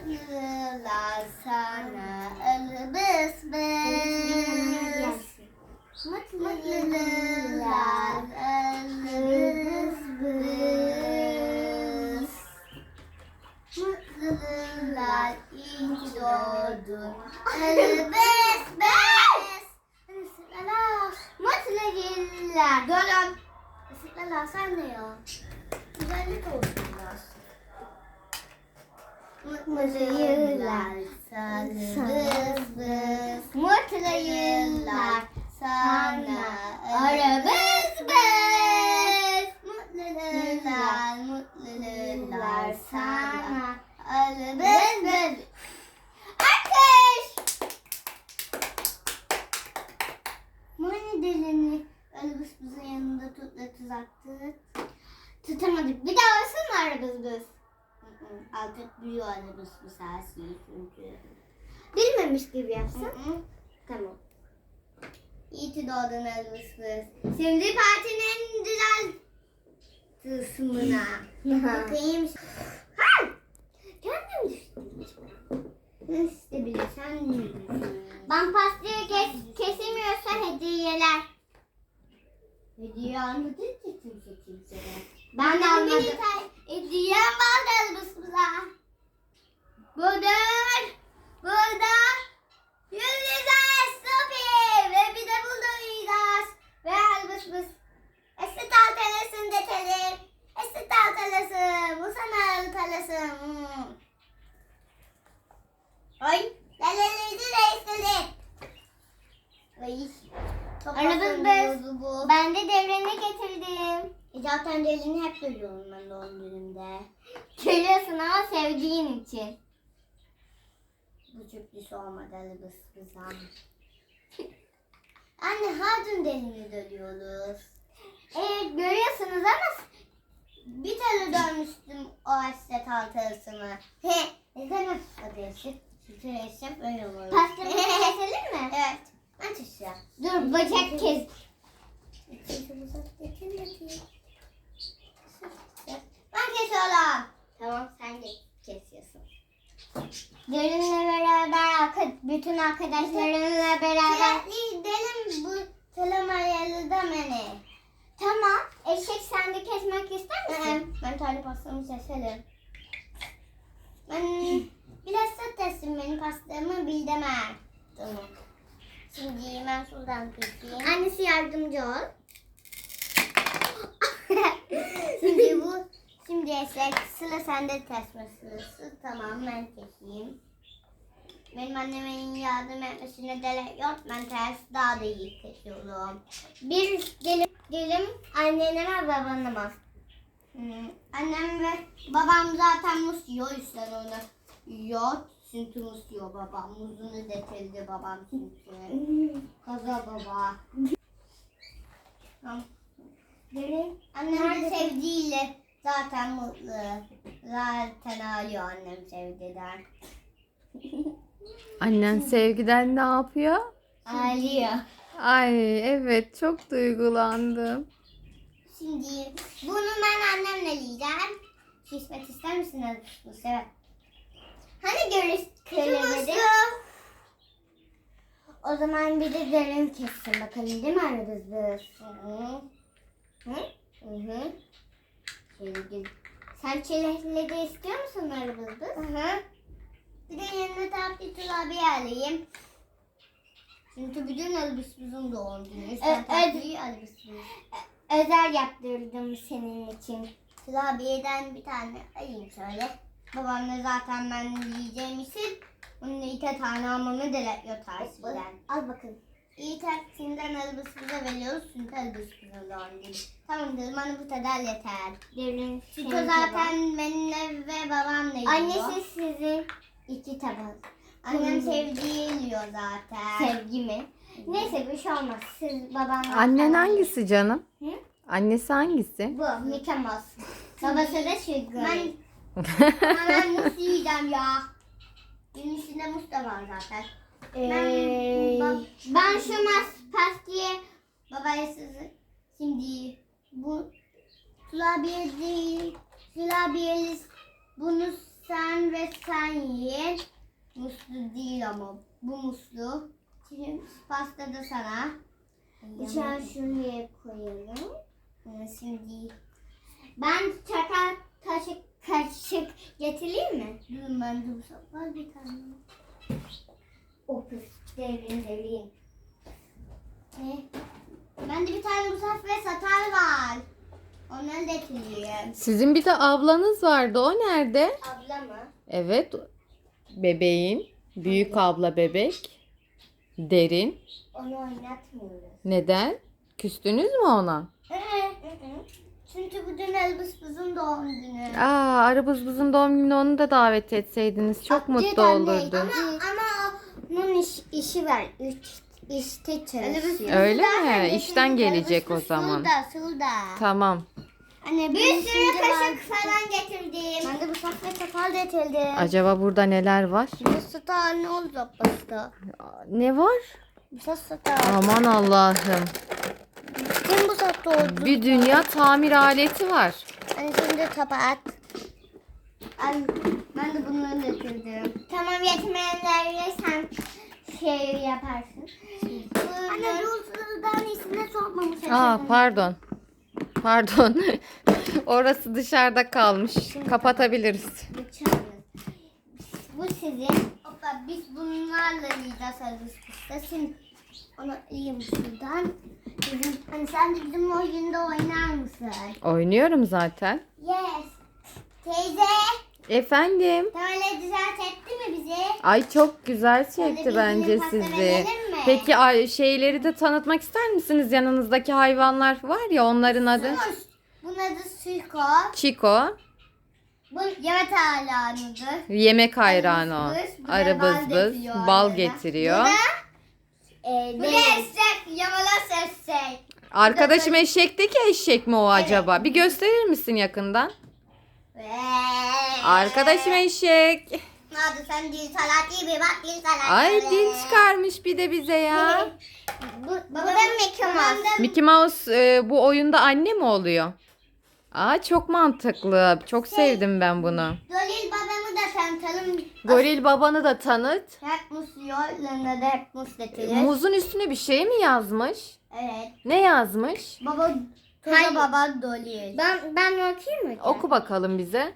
Mutlular sana ırbız bız. Mutlular ırbız bız. Mutlular iyi ki doğdun ırbız bız. Mutlu yıllar. Durun. Isıklarlar sen ne ya? Güzellik olsun biraz. Mutlu yıllar sana bız bız. Mutlu yıllar sana arabız bız. Mutlu yıllar sana arabız bız. Alkış. Mani dilini arabız bızın yanında tuzaktık. Tutamadık. Bir daha olsun mu arabız bız? Artık büyüyor arabız bız her şeyi çünkü. Bilmemiş gibi yapsın. Tamam. İyi ki doğdun arabız bız. Şimdi partinin en güzel kısmına. Bakayım. Ha! Kendim düştüm. İşte bilirsen ben pastayı kesemiyorsa hediyeler. Hediye almadın ki kimse. Ben de almadım. Hediyem var elbisimize. Burada Yıldızlar Sophie ve bir de burada Yıldız ve elbisimiz. Eski taltelasın deteli. Eski taltelasın. Bu sana taltelasın. Ay. Leleliydi reisleri. Ay. Arabız biz. Ben de devreni getirdim. Zaten devreni hep görüyorum ben doğum günümde. Görüyorsun ama sevdiğin için. Bu sürpriz olmadı arabız bize. Anne her gün delini dönüyoruz. Evet görüyorsunuz ama bir tane dönmüştüm o aşset altarısını. Neden aşset? Sütü eşref öyle olur. Pastamızı keselim mi? Evet. Aç aşağı. Dur bacak kes. Ben kesiyorum. Tamam sen de kesiyorsun. Derinle beraber bütün arkadaşlarınla beraber. Gidelim bu telemayalı da beni. Tamam. Eşek sen de kesmek ister misin? Ben tane pastamı keselim. Ben biraz satessin benim pastamı bildeme. Tamam. Şimdi ben şuradan keseyim. Annesi yardımcı ol. Şimdi eşek sıra sende kesme sırası. Tamam ben keseyim. Benim annemin yardım etmesine gerek yok. Ben ters daha da iyi kesiyorum. Bir dilim annene ve babana. Annem ve babam zaten muz yiyor. Üstten onu yiyor. Çünkü muz yiyor babam. Muzunu getirdi babam çünkü. Kaza baba. Tamam. Annem de sevdiğiyle zaten mutlu. Zaten ağlıyor annem sevgiden. Annen sevgiden ne yapıyor? Ağlıyor. Ay evet çok duygulandım. Şimdi bunu ben annemle yiyeceğim. Şişmek ister misiniz? Bu sefer. Hani görüşürüz. O zaman bir de derin kessin bakalım değil mi aramızda? Hı. Sen çilekli de istiyor musun aramızda? Hı. Bir de yanına tatlı tulabi alayım. Çünkü bütün elbisimizin doğum günü. Sen tatlıyı elbisimiz. Özel yaptırdım senin için. Tulabiyeden bir tane alayım şöyle. Babamla zaten ben yiyeceğim için onun 2 tane almamı dilekliyor tersinden. Al bakın. İyi tersinden elbisimize veriyoruz. Çünkü elbisimizin doğum günü. Tamamdır bana bu kadar yeter. Çünkü zaten benimle ve babamla yiyor. Annesi sizin 2 tabak. Annem sevdiği yiyor zaten. Sevgi mi? Neyse bir şey olmaz. Siz babanla... Annen hangisi canım? Hı? Annesi hangisi? Bu Mickey Mouse. Babası da Sugar. Ben muz yiyeceğim ya. Benim içinde muz da var zaten. Ben şu pastayı babaya şimdi bu kurabiye değil. Kurabiyeli bunu Sen ve sen yiyin. Muslu değil ama bu muslu. Şimdi pasta da sana. Bıçağı şuraya koyalım. Şimdi ben çatal kaşık getireyim mi? Durun ben de bu sefer bir tane. Opus derin. Ben de bir tane musaf ve satar var. Onları getireyim. Sizin bir de ablanız vardı. O nerede? Abla mı? Evet. Bebeğin. Büyük abla bebek. Derin. Onu oynatmıyoruz. Neden? Küstünüz mü ona? Çünkü bugün Elbis'imizin doğum günü. Arabızbızın doğum günü onu da davet etseydiniz çok mutlu olurdu. Ama onun işi var. İşte çalışıyor. Öyle mi? İşten gelecek o zaman. Sulda. Tamam. Anne bir sürü kaşık falan getirdim. Ben de bu safra sakal getirdim. Acaba burada neler var? Bu sata ne olacak pasta? Ne var? Bu sata. Aman Allah'ım. Kim bu sata oldu? Bir dünya tamir aleti var. Anne şimdi kapat. Ben de bunları getirdim. Tamam yetmeyenlerle sen şey yaparsın. Anne Rusul'dan ismine sokmamış. Pardon. Pardon. Orası dışarıda kalmış. Kapatabiliriz. Bıçağımız. Bu sizin. Hoppa biz bunlarla yiyeceğiz Elbis'te. Şimdi onu yiyeyim şuradan. Hani sen de bizim oyunda oynar mısın? Oynuyorum zaten. Yes. Teyze. Efendim. Böyle düzelt etti mi bizi? Ay çok güzel Hadi çekti biz bence yine pasta sizi. verelim mi? Peki şeyleri de tanıtmak ister misiniz? Yanınızdaki hayvanlar var ya, onların adı. Bunun adı Suiko. Chico. Bu yemek alanıdır. Yemek hayranı o. Bu da Arı bal bız bız. getiriyor Bal arada. getiriyor. Bu da eşek. Yamalas eşek. Arkadaşım eşekteki eşek mi o acaba? Bir gösterir misin yakından? Arkadaşım eşek. Hadi sen dil salat gibi bak dil salat. Ay dil çıkarmış bir de bize ya. Bu da Mickey Mouse. Mickey Mouse bu oyunda anne mi oluyor? Çok mantıklı. Çok sevdim ben bunu. Dolil babamı da tanıtalım. Goril babanı da tanıt. Hep musluyor. Yanında da hep mus getirir. Muzun üstüne bir şey mi yazmış? Evet. Ne yazmış? Baba Toza baba Dolil. Ben okuyayım mı? Oku bakalım bize.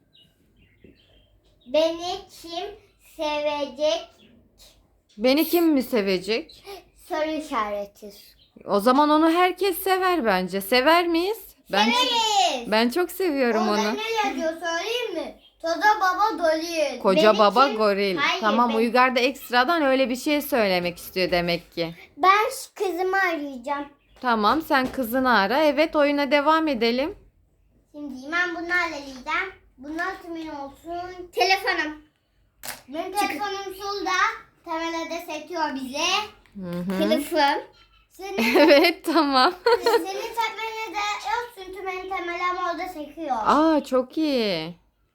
Beni kim sevecek? Beni kim mi sevecek? Soru işareti. O zaman onu herkes sever bence. Sever miyiz? Severiz. Ben çok seviyorum Orada onu. ne yazıyor söyleyeyim mi? Toza baba Dolil. Koca Beni baba kim- goril. Hayır, Tamam, ben- Uygar da ekstradan öyle bir şey söylemek istiyor demek ki. Ben kızımı arayacağım. Tamam, sen kızını ara. Evet, oyuna devam edelim. Şimdi ben bunlarla yiyeceğim. Bunlar kimin olsun? Telefonum. Benim telefonum solda. Temele de sekiyor bize. Hı. Kılıfım. Senin, Evet, tamam. senin temele de yok çünkü benim temelim orada sekiyor. Çok iyi.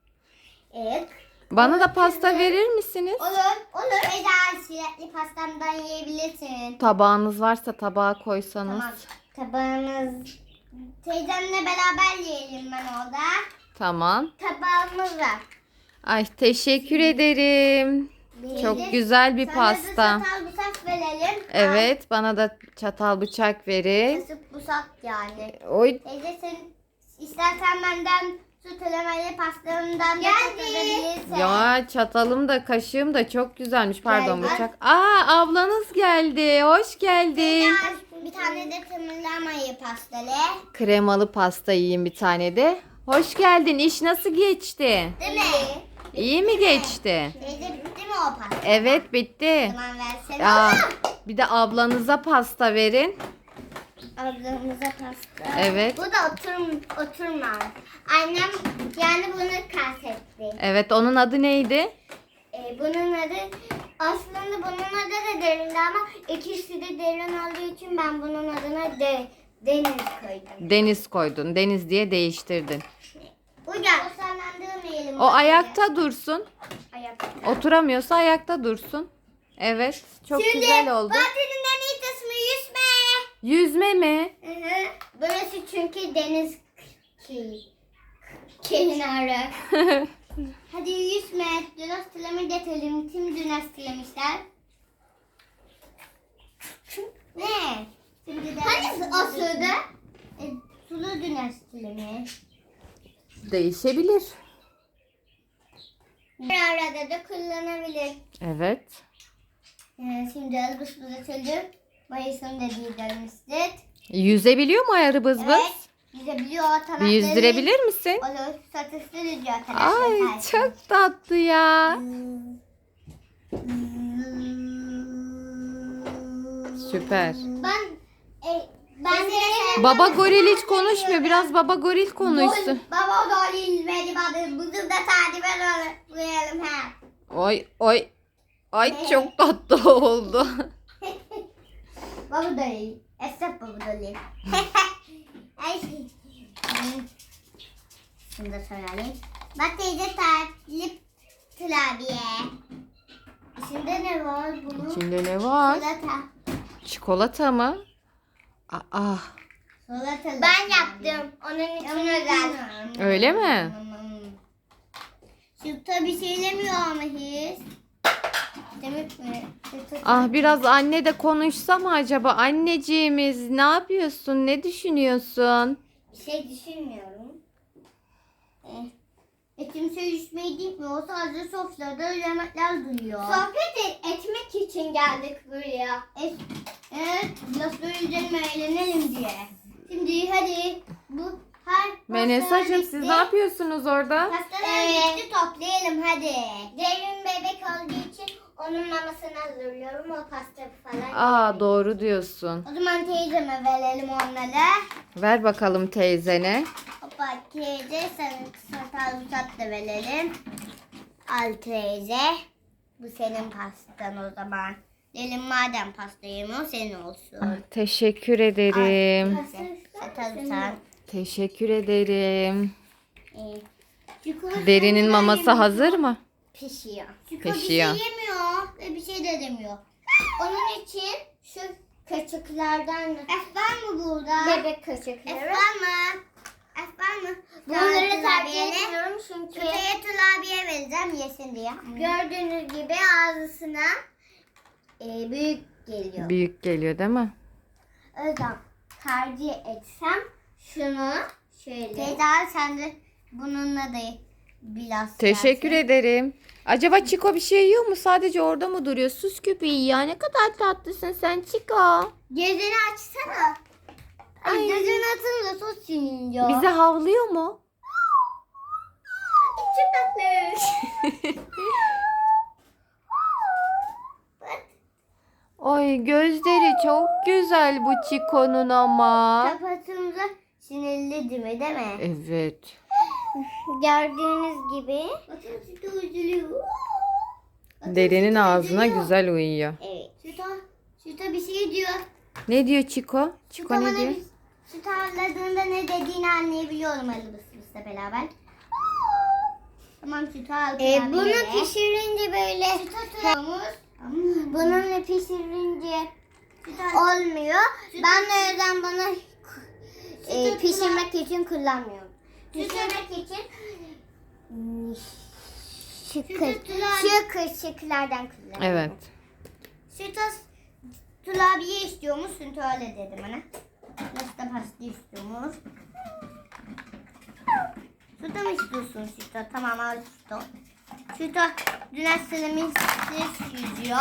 Evet. Bana da pasta verir misiniz? Olur. Eğer çilekli pastamdan yiyebilirsin. Tabağınız varsa tabağa koysanız. Tamam. Tabağımız. Teyzemle beraber yiyelim ben orada. Tamam. Tabağımız var. Ay, teşekkür ederim. Çok güzel bir pasta. Sana da çatal bıçak verelim. Evet, bana da çatal bıçak verin. Kasıp bıçak yani. Oy, Teyze sen istersen benden süt elemeli pastamdan da katılabilirsin. ya çatalım da kaşığım da çok güzelmiş. Pardon, Gel. bıçak. Ablanız geldi. Hoş geldin. Bir tane de tımırlamayı pastalı. Kremalı pasta yiyeyim bir tane de. Hoş geldin. İş nasıl geçti? Değil mi? İyi mi geçti? Teyze bitti mi o pasta? Evet, bitti. Tamam versene Aa, oğlum. bir de ablanıza pasta verin. Ablamıza pasta. Evet. Bu da oturma. Annem yani bunu kastetli. Evet, onun adı neydi? Bunun adı aslında bunun adı da derindi ama ikisi de derin olduğu için ben bunun adına deniz koydum. Deniz koydun. Deniz diye değiştirdin. Uygar. O sallandırmayalım. O ayakta dursun. Ayakta. Oturamıyorsa ayakta dursun. Evet. Çok güzel oldu. Fatih'in en iyi kısmı yüzme. Yüzme mi? Burası çünkü deniz kenarı. Hadi yüzme. Dün hastalığımı getirelim. Kim dün hastalamışlar? Ne? Şimdi de hani o sırada? Sulu dün hastalığımı. Değişebilir. Bir arada da kullanabilir. Evet. Şimdi Elbus çocuk. Mayıs'ın dediği demiştik. Yüzebiliyor mu ayarı bız bız? Evet. Yüzebiliyor. Bir yüzdürebilir misin? Olur. Satışlı yüzüyor arkadaşlar. Ay çok tatlı ya. Süper. Ben de Baba goril hiç konuşmuyor. Biraz baba goril konuşsun. Baba goril beni bana bugün de takibe koyalım ha. Oy oy. Ay çok tatlı oldu. Baba goril. Esnaf baba goril. Ay. Şunu da soralım. Bak teyze talip klavye. İçinde ne var bunun? İçinde ne var? Çikolata. Çikolata mı? Aa, Ben yaptım. Onun için özel. öyle mi? Sütta bir şey demiyor ama hiç. Demek mi? Ah biraz anne de konuşsa mı acaba? Anneciğimiz ne yapıyorsun? Ne düşünüyorsun? Bir şey düşünmüyorum. Kimse yüzmeyi gitmiyor. Sadece sofrada yemekler duruyor. Sohbet etmek için geldik buraya. Evet. Biraz böyle üzerime eğlenelim diye. Şimdi hadi bu her Menesacığım siz ne yapıyorsunuz orada? pastalar bitti toplayalım hadi. Derin bebek olduğu için onun mamasını hazırlıyorum. O pasta falan. Aa doğru diyorsun. O zaman teyzeme verelim onları. Ver bakalım teyzene. Hoppa teyze sana sarımsak da verelim. Al teyze. Bu senin pastan o zaman. Delim madem pasta yemiyor senin olsun. Ah, teşekkür ederim. Sarımsak. Teşekkür ederim. Çikolata Derinin maması hazır mı? pişiyor. Pişiyor. Bir şey yemiyor ve bir şey de demiyor. Onun için şu kaşıklardan da. F var mı burada? Bebek kaşıkları. F var mı? F var mı? Bunları tercih ediyorum çünkü. Süteye tulabiye vereceğim yesin diye. Gördüğünüz gibi ağzısına büyük geliyor. Büyük geliyor değil mi? O yüzden tercih etsem şunu şöyle. Teyze sen de bununla da biraz Teşekkür yersin. ederim. Acaba Çiko bir şey yiyor mu? Sadece orada mı duruyor? Sus köpeği ya. Ne kadar tatlısın sen Çiko. Gözünü açsana. Ay. Gözünü açınca sos yiyor. Bize havlıyor mu? Çok tatlı. Ay gözleri çok güzel bu Çiko'nun ama. Kapatınca sinirli değil mi? Evet. Gördüğünüz gibi. Bakın üzülüyor. Derinin ağzına güzel uyuyor. Evet. Süta bir şey diyor. Ne diyor Çiko? Çiko ne diyor? Süt ağırladığında ne dediğini anlayabiliyorum Elbis'le beraber. Tamam süt ağırladığında. Bunu pişirince böyle süt atıyoruz. Bununla pişirince olmuyor. Ben de o yüzden bunu pişirmek için kullanmıyorum. Pişirmek için şu kaşıklardan kullanıyorum. Evet. Süt tulabiye istiyormuş. Süt öyle dedi bana. Nasıl da pasta istiyormuş. Süt mı istiyorsun süt? Tamam al süt. Süt dün asılımız yüzüyor.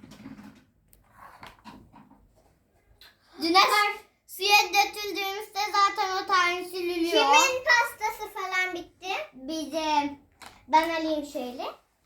Dün suya döküldüğümüzde zaten o tane sürülüyor. Kimin pastası falan bitti? Bizim. Ben alayım şöyle.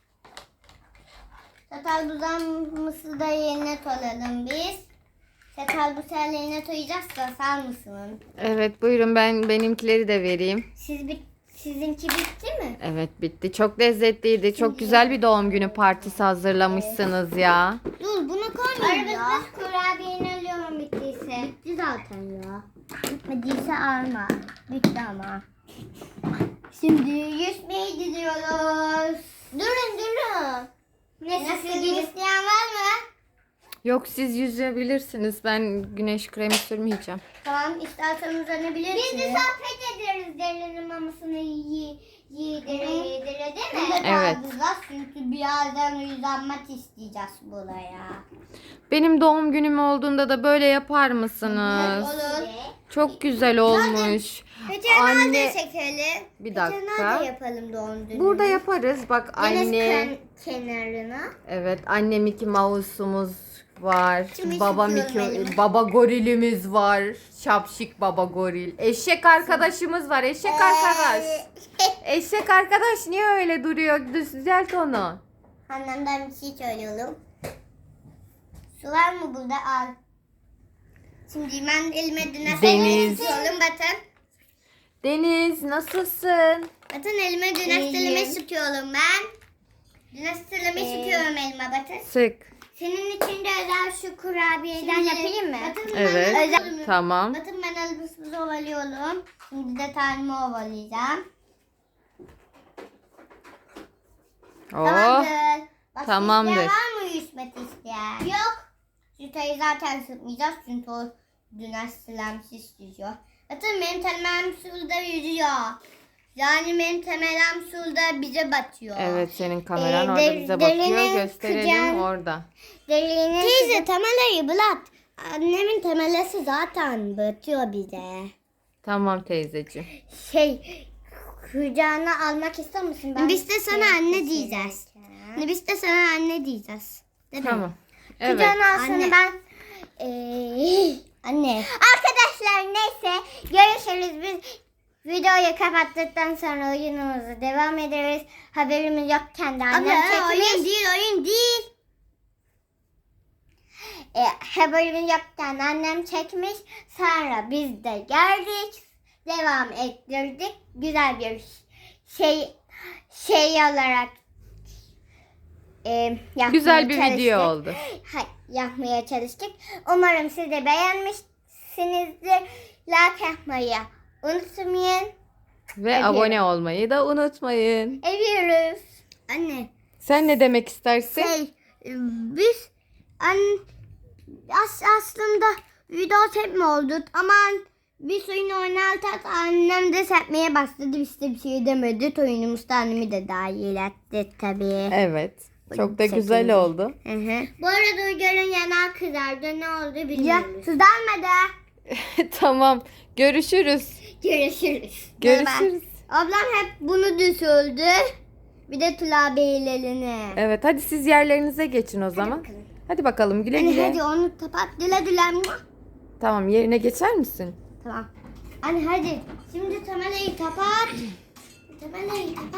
Çatal buzağımızı da yerine koyalım biz. Çatal buzağını yerine koyacaksa sağ mısın? Evet buyurun benimkileri de vereyim. Sizinki bitti mi? Evet bitti. Çok lezzetliydi. Çok güzel bir doğum günü partisi hazırlamışsınız ya. Dur bunu koymayayım ya. Arabasız kurabiyeni alıyorum bittiyse. Bitti zaten ya. Bitmediyse alma. Bitti ama. Şimdi yüzmeye gidiyoruz. Durun. Nasıl isteyen var mı? Yok siz yüzebilirsiniz. Ben güneş kremi sürmeyeceğim. Tamam istersen uzanabilirsiniz. Biz de sohbet ederiz derinin mamasını Yedire değil mi? Evet. Çünkü birazdan uzanmak isteyeceğiz buraya. Benim doğum günüm olduğunda da böyle yapar mısınız? Olur. Çok güzel olmuş. Veteriner de Anne, çekelim. bir Veteriner dakika. de yapalım doğum gününü. Burada yaparız. Bak anne. Kenarına. Evet, anne Mickey Mouse'umuz var. Şimdi Baba sıkıyorum Mickey, elimi. baba gorilimiz var. Şapşik baba goril. Eşek arkadaşımız var. Eşek arkadaş. Eşek arkadaş niye öyle duruyor? Düzelt onu. Annemden bir şey söylüyorum. Su var mı burada? Al. Şimdi ben elime Deniz. sıkıyorum Batın. Deniz nasılsın? Batın elime dünasteleme sıkıyorum ben. Dünasteleme sıkıyorum elime Batın. Sık. Senin için de özel şu kurabiyeden yapayım mı? Batın Evet. özel... Tamam. Batın ben elbisimizi ovalıyorum. Şimdi de tanemi ovalayacağım. Oh. Tamamdır. Başka Tamamdır. isteyen var mı yüzmek isteyen? Yok. Sütayı zaten sıkmayacağız çünkü o dünastemsiz yüzüyor. Batın benim temem suda yüzüyor. Yani benim temelem suda bize batıyor. Evet, senin kameran Ee, orada bize derine bakıyor. Gösterelim kıcan- orada. Teyze temeleri bırak. Annemin temelesi zaten batıyor bize. Tamam teyzeciğim. Kucağına almak ister misin? Biz de sana anne diyeceğiz. Biz de sana anne diyeceğiz. Değil mi? Tamam. Evet. Kucağına alsana ben. Anne. Arkadaşlar neyse görüşürüz. Biz videoyu kapattıktan sonra oyunumuza devam ederiz. Haberimiz yokken de annem çekmiş. Oyun değil. Haberimiz yokken annem çekmiş. Sonra biz de geldik. Devam ettirdik. Güzel bir şey olarak yapmaya Güzel bir çalıştık. video oldu. Yapmaya çalıştık. Umarım siz de beğenmişsinizdir. Like yapmayı unutmayın. Ve Evet. abone olmayı da unutmayın. Seviyoruz. Anne. Sen ne demek istersin? Biz aslında video sepme olduk ama biz oyun oynarken annem de sepmeye başladı. Biz de bir şey demedik. Oyunumuzda annemi de dahil etti tabii. Evet. Çok da Şekilde. güzel oldu. Bu arada Uygar'ın yanağı kızardı. Ne oldu bilmiyoruz. Ya kızarmadı. Tamam. Görüşürüz. Görüşürüz. Görüşürüz. Ablam hep bunu düşürdü. Bir de Tula Beylerini. Evet, hadi siz yerlerinize geçin o zaman. bakalım. Hadi bakalım, güle Anne güle. hadi onu kapat. Güle güle. Tamam, yerine geçer misin? Tamam. Anne hadi. Şimdi tabelayı kapat. Tabelayı kapat.